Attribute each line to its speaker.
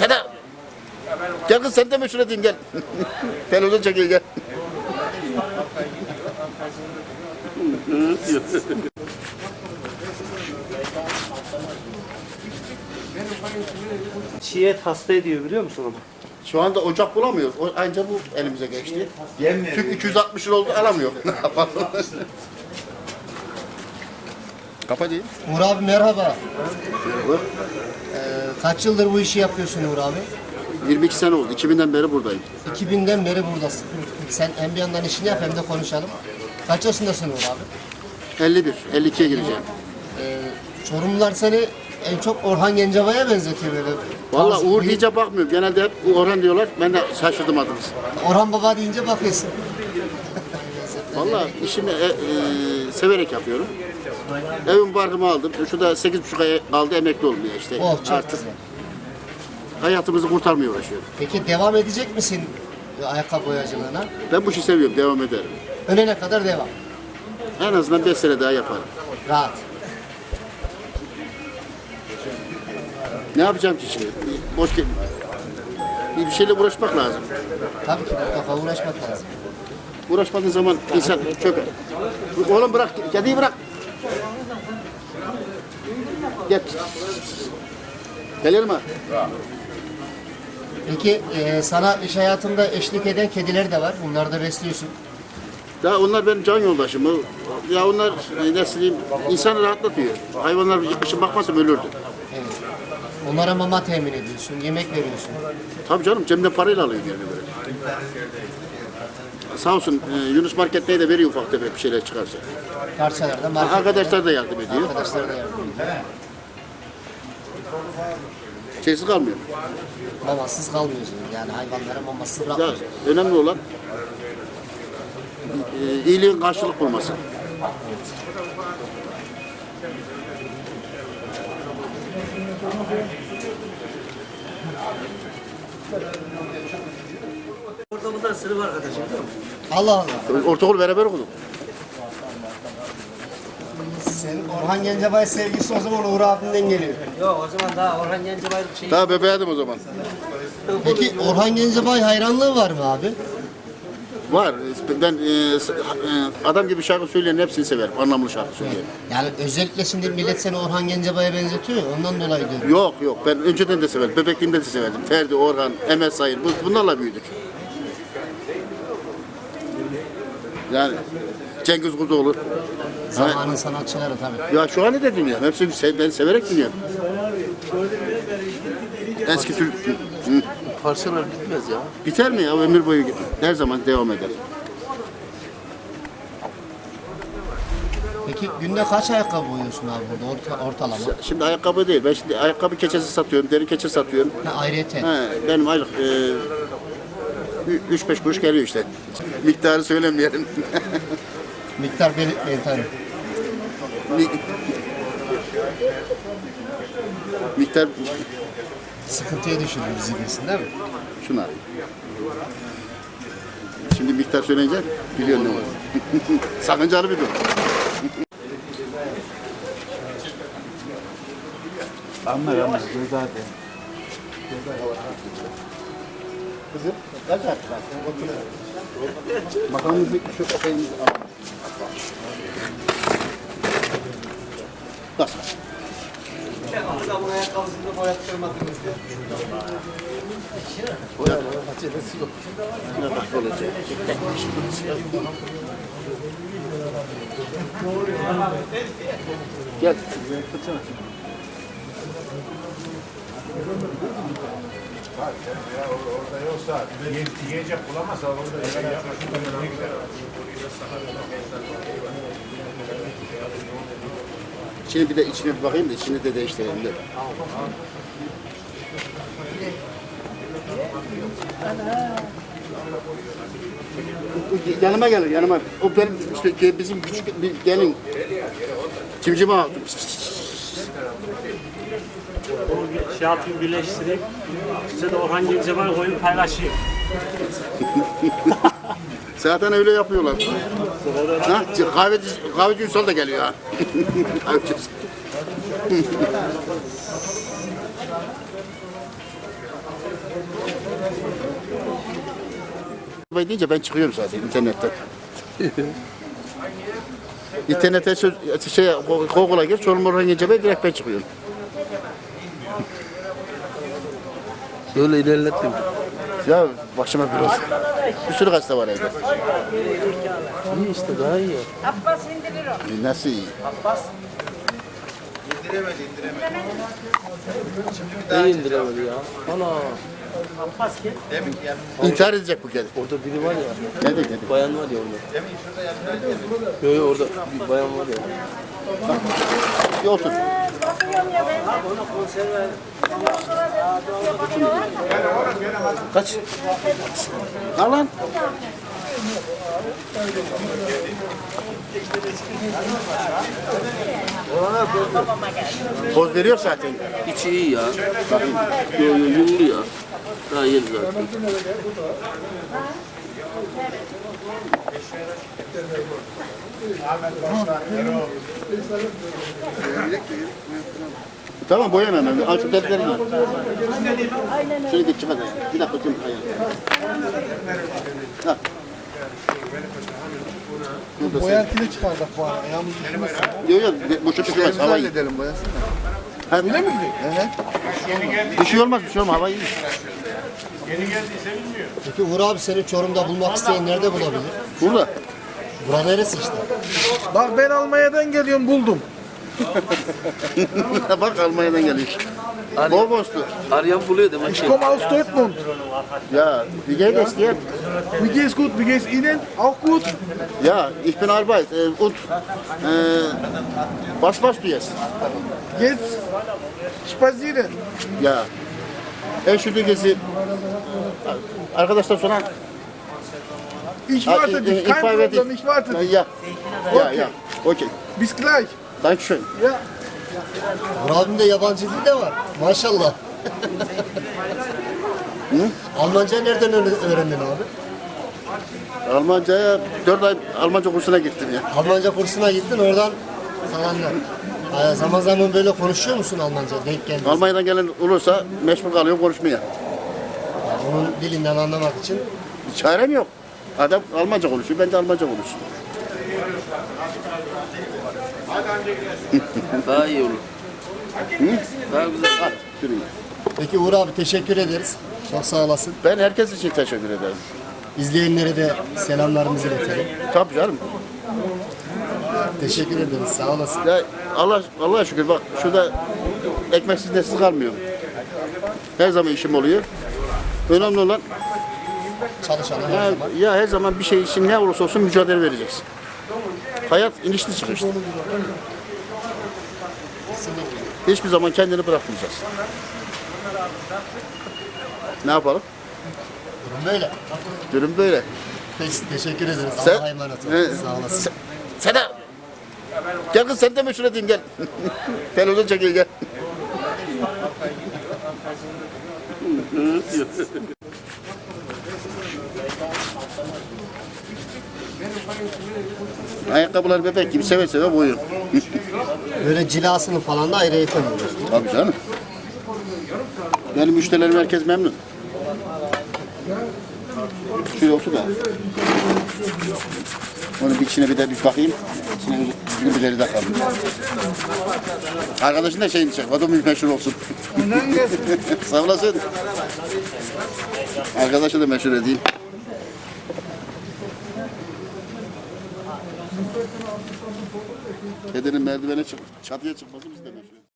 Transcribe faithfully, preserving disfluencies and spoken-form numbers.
Speaker 1: Seda. Gel kız sen de meşhur edeyim gel. Televizyon çekiyor gel.
Speaker 2: Çiğet hasta ediyor biliyor musun onu?
Speaker 1: Şu anda ocak bulamıyoruz. O, anca bu elimize geçti. Tüp iki yüz altmış lira oldu alamıyor. Ne yapalım? Kapa değil.
Speaker 3: Uğur abi merhaba. Ee, kaç yıldır bu işi yapıyorsun Uğur abi?
Speaker 1: yirmi iki sene oldu. iki binden beri buradayım.
Speaker 3: iki binden beri buradasın. Sen hem bir yandan işini yap hem de konuşalım. Kaç yaşındasın Uğur abi?
Speaker 1: elli bir, elli ikiye gireceğim.
Speaker 3: Ee, Çorumlular seni en çok Orhan Gencebay'a benzetiyor böyle.
Speaker 1: Vallahi
Speaker 3: Bazı-
Speaker 1: Uğur deyince bakmıyorum. Genelde hep Orhan diyorlar. Ben de şaşırdım adınız.
Speaker 3: Orhan Baba deyince bakıyorsun.
Speaker 1: Vallahi işimi e, e, severek yapıyorum. Evim barkımı aldım. Şurada sekiz buçuk ay kaldı emekli olmaya işte.
Speaker 3: Oh çok
Speaker 1: Artık
Speaker 3: güzel.
Speaker 1: hayatımızı kurtarmaya uğraşıyorum.
Speaker 3: Peki devam edecek misin ayakkabı boyacılığına?
Speaker 1: Ben bu işi seviyorum. Devam ederim.
Speaker 3: Ölene kadar devam.
Speaker 1: En azından beş sene daha yaparım.
Speaker 3: Rahat.
Speaker 1: Ne yapacağım ki şimdi? Boş gel. Bir şeyle uğraşmak lazım.
Speaker 3: Tabii ki mutlaka uğraşmak lazım.
Speaker 1: Uğraşmadığın zaman insan çöker. Oğlum bırak, kediyi bırak. Gel. Gelir mi?
Speaker 3: Peki e, sana iş hayatında eşlik eden kediler de var. Bunları da besliyorsun.
Speaker 1: Ya onlar benim can yoldaşım. Ya onlar e, nasıl diyeyim, insanı rahatlatıyor. Hayvanlar yakışık bakmazsa ölürdü.
Speaker 3: Evet. Onlara mama temin ediyorsun, yemek veriyorsun.
Speaker 1: Tabii canım cebimden parayla alıyor yani böyle. Sağ olsun e, Yunus Market'te de veriyor ufak tefek bir şeyler çıkarsa.
Speaker 3: Parçalarda market.
Speaker 1: Arkadaşlar da yardım ediyor.
Speaker 3: Arkadaşlar da yardım ediyor.
Speaker 1: Şeysiz kalmıyor.
Speaker 3: Mamasız kalmıyorsunuz yani hayvanlara mamasız
Speaker 1: Ya,
Speaker 3: bırakmıyorsunuz.
Speaker 1: önemli olan e, iyiliğin karşılık bulması.
Speaker 2: Orada bundan sınıf arkadaşım değil mi?
Speaker 3: Allah Allah.
Speaker 1: Ortaokul beraber okuduk.
Speaker 3: Senin Orhan Gencebay sevgisi o zaman Uğur abinden geliyor.
Speaker 2: Yok o zaman daha Orhan Gencebay'ın şeyi.
Speaker 1: Daha bebeğdim o zaman.
Speaker 3: Peki Orhan Gencebay hayranlığı var mı abi?
Speaker 1: Var. Ben e, s- e, adam gibi şarkı söyleyen hepsini severim. Anlamlı şarkı söyleyen.
Speaker 3: Yani özellikle şimdi millet seni Orhan Gencebay'a benzetiyor ya, ondan dolayı diyorum.
Speaker 1: Yok yok. Ben önceden de severim. Bebekliğimde de severdim. Ferdi, Orhan, Emel Sayın. Bu- Bunlarla büyüdük. Yani Cengiz Kurdoğlu.
Speaker 3: Zamanın sanatçıları tabii.
Speaker 1: Ya şu an ne de dinliyorum. Hepsini se- ben severek dinliyorum. Eski Türk. Hı.
Speaker 4: Parçalar bitmez ya.
Speaker 1: Biter mi ya? Ömür boyu her zaman devam eder.
Speaker 3: Peki günde kaç ayakkabı boyuyorsun abi burada orta, ortalama?
Speaker 1: Şimdi ayakkabı değil. Ben şimdi ayakkabı keçesi satıyorum. Deri keçe satıyorum.
Speaker 3: Ha, ayrıyeten.
Speaker 1: He, benim aylık e, üç beş kuruş geliyor işte. Miktarı söylemeyelim.
Speaker 3: Miktar belirtmeyin tabii.
Speaker 1: Mi- Miktar
Speaker 3: Sıkıntıya düşürür bizi diyorsun değil mi?
Speaker 1: şuna. Şimdi miktar söyleyince biliyorsun ne var. Sakıncalı bir durum.
Speaker 4: Anlar anlar. Göz hadi.
Speaker 1: Kızım, kaç artık var? Bakalım bir şu şeyimizi alalım. Bak.
Speaker 2: Adamın ayakkabısını boyattırmadınız diye.
Speaker 1: Ne bak olacak. Gel.
Speaker 5: Orada yoksa yiyecek bulamazsa orada şey yapmasın.
Speaker 1: Şimdi bir de içine bir bakayım da içini de değiştirelim de. Yanıma gelir yanıma. O benim işte bizim küçük bir gelin. Cimcime aldım.
Speaker 6: Şey yapayım birleştireyim. Size de Orhan Gencebay koyup paylaşayım.
Speaker 1: Zaten öyle yapıyorlar. Ha, kahveci, kahveci Ünsal da geliyor ha. Kahveci. deyince ben çıkıyorum zaten internetten. İnternete söz, şey, Google'a gir, Çorum Orhan Gencebay direkt ben çıkıyorum.
Speaker 4: Böyle ilerlettim.
Speaker 1: Ya başıma bir olsun. Bir sürü gazete var evde.
Speaker 4: İyi işte daha iyi.
Speaker 7: Abbas indirir o.
Speaker 1: E, Nasıl iyi?
Speaker 4: İyi indiremedi ya. Ana.
Speaker 1: İntihar edecek bu kedi.
Speaker 4: Orada biri var ya.
Speaker 1: Ne de kedi?
Speaker 4: Bayan var ya orada. Yok yok orada bir bayan var ya.
Speaker 1: Bir otur.
Speaker 7: Bakıyorum ya ben.
Speaker 1: Kaç? Al lan. Poz veriyor zaten.
Speaker 4: İçi iyi ya. Yok yok yumru ya. Daha yeni zaten.
Speaker 1: Tamam boyamam ben. Al şu defterini al. Şöyle git çıkar. Bir dakika bakayım ayağını. Ha.
Speaker 8: Boyantıyla çıkardık bu ara. Ayağımız üşümesin.
Speaker 1: Yok yok bu şu çıkmaz hava iyi.
Speaker 8: Edelim boyasın.
Speaker 1: Öyle mi gidiyor? Bir şey olmaz bir şey olmaz hava iyi.
Speaker 5: Yeni geldiyse bilmiyor.
Speaker 3: Peki Uğur abi seni Çorum'da bulmak isteyen nerede bulabilir?
Speaker 1: Burada.
Speaker 3: Bura neresi işte?
Speaker 8: Bak ben Almanya'dan geliyorum buldum.
Speaker 1: Bak Almanya'dan geliyor. Bol bostu.
Speaker 4: Arayan buluyor demek
Speaker 8: Ich
Speaker 4: ki.
Speaker 8: komme aus Dortmund.
Speaker 1: Ya wie geht es dir?
Speaker 8: Wie geht's gut? Wie geht's Ihnen? Auch gut?
Speaker 1: Ja, ich bin Arbeit äh, und äh, was machst du jetzt?
Speaker 8: Jetzt spazieren.
Speaker 1: Ya Entschuldigen arkadaşlar sonra
Speaker 8: Ich warte
Speaker 1: äh,
Speaker 8: dich.
Speaker 1: ich
Speaker 8: Kein
Speaker 1: fahre dich.
Speaker 8: Problem, ich warte dich.
Speaker 1: Ja, ja, ja. Okay.
Speaker 8: Bis gleich.
Speaker 1: Dankeschön.
Speaker 8: Ja.
Speaker 3: Uğur abinin de yabancı dili de var. Maşallah. Almanca nereden öğren- öğrendin abi?
Speaker 1: Almanca'ya dört ay Almanca kursuna gittim ya.
Speaker 3: Almanca kursuna gittin oradan falanlar. Ee, zaman zaman böyle konuşuyor musun Almanca? Denk geldi.
Speaker 1: Almanya'dan gelen olursa mecbur kalıyorum konuşmaya.
Speaker 3: Onun dilinden anlamak için.
Speaker 1: Çarem yok. Adam Almanca konuşuyor, ben de Almanca konuşuyorum.
Speaker 4: Daha iyi olur. Daha güzel.
Speaker 1: Hadi, yürüyün.
Speaker 3: Peki Uğur abi teşekkür ederiz. Çok sağ olasın.
Speaker 1: Ben herkes için teşekkür ederim.
Speaker 3: İzleyenlere de selamlarımızı iletelim.
Speaker 1: Tabii canım.
Speaker 3: Teşekkür ederiz. Sağ olasın.
Speaker 1: Ya Allah Allah'a şükür bak şurada ekmeksiz nesiz kalmıyorum. Her zaman işim oluyor. Önemli olan
Speaker 3: Çalışalım her
Speaker 1: ya,
Speaker 3: zaman.
Speaker 1: ya her zaman bir şey için ne olursa olsun mücadele vereceksin. Hayat inişli çıkışlı.
Speaker 3: Kesinlikle.
Speaker 1: Hiçbir zaman kendini bırakmayacaksın. Ne yapalım?
Speaker 3: Durum böyle.
Speaker 1: Durum böyle.
Speaker 3: Peki teşekkür ederiz.
Speaker 1: Sen-
Speaker 3: Allah'a emanet ol.
Speaker 1: He,
Speaker 3: Sağ olasın.
Speaker 1: Sen, sen de gel kız sen de meşhur edeyim gel. Televizyon çekiyor gel. Ayakkabılar bebek gibi seve seve boyuyor.
Speaker 3: Böyle cilasını falan da ayrı yapamıyoruz.
Speaker 1: Tabii canım. Benim müşterilerim herkes memnun. Şöyle otur da. Onun bir içine bir de bir bakayım. İçine bir birileri de kalmış. Arkadaşın da şeyini çek. O da meşhur olsun. Sağ olasın. Arkadaşı da meşhur edeyim. Kedinin merdivene çık, çatıya çıkması biz de meşhur.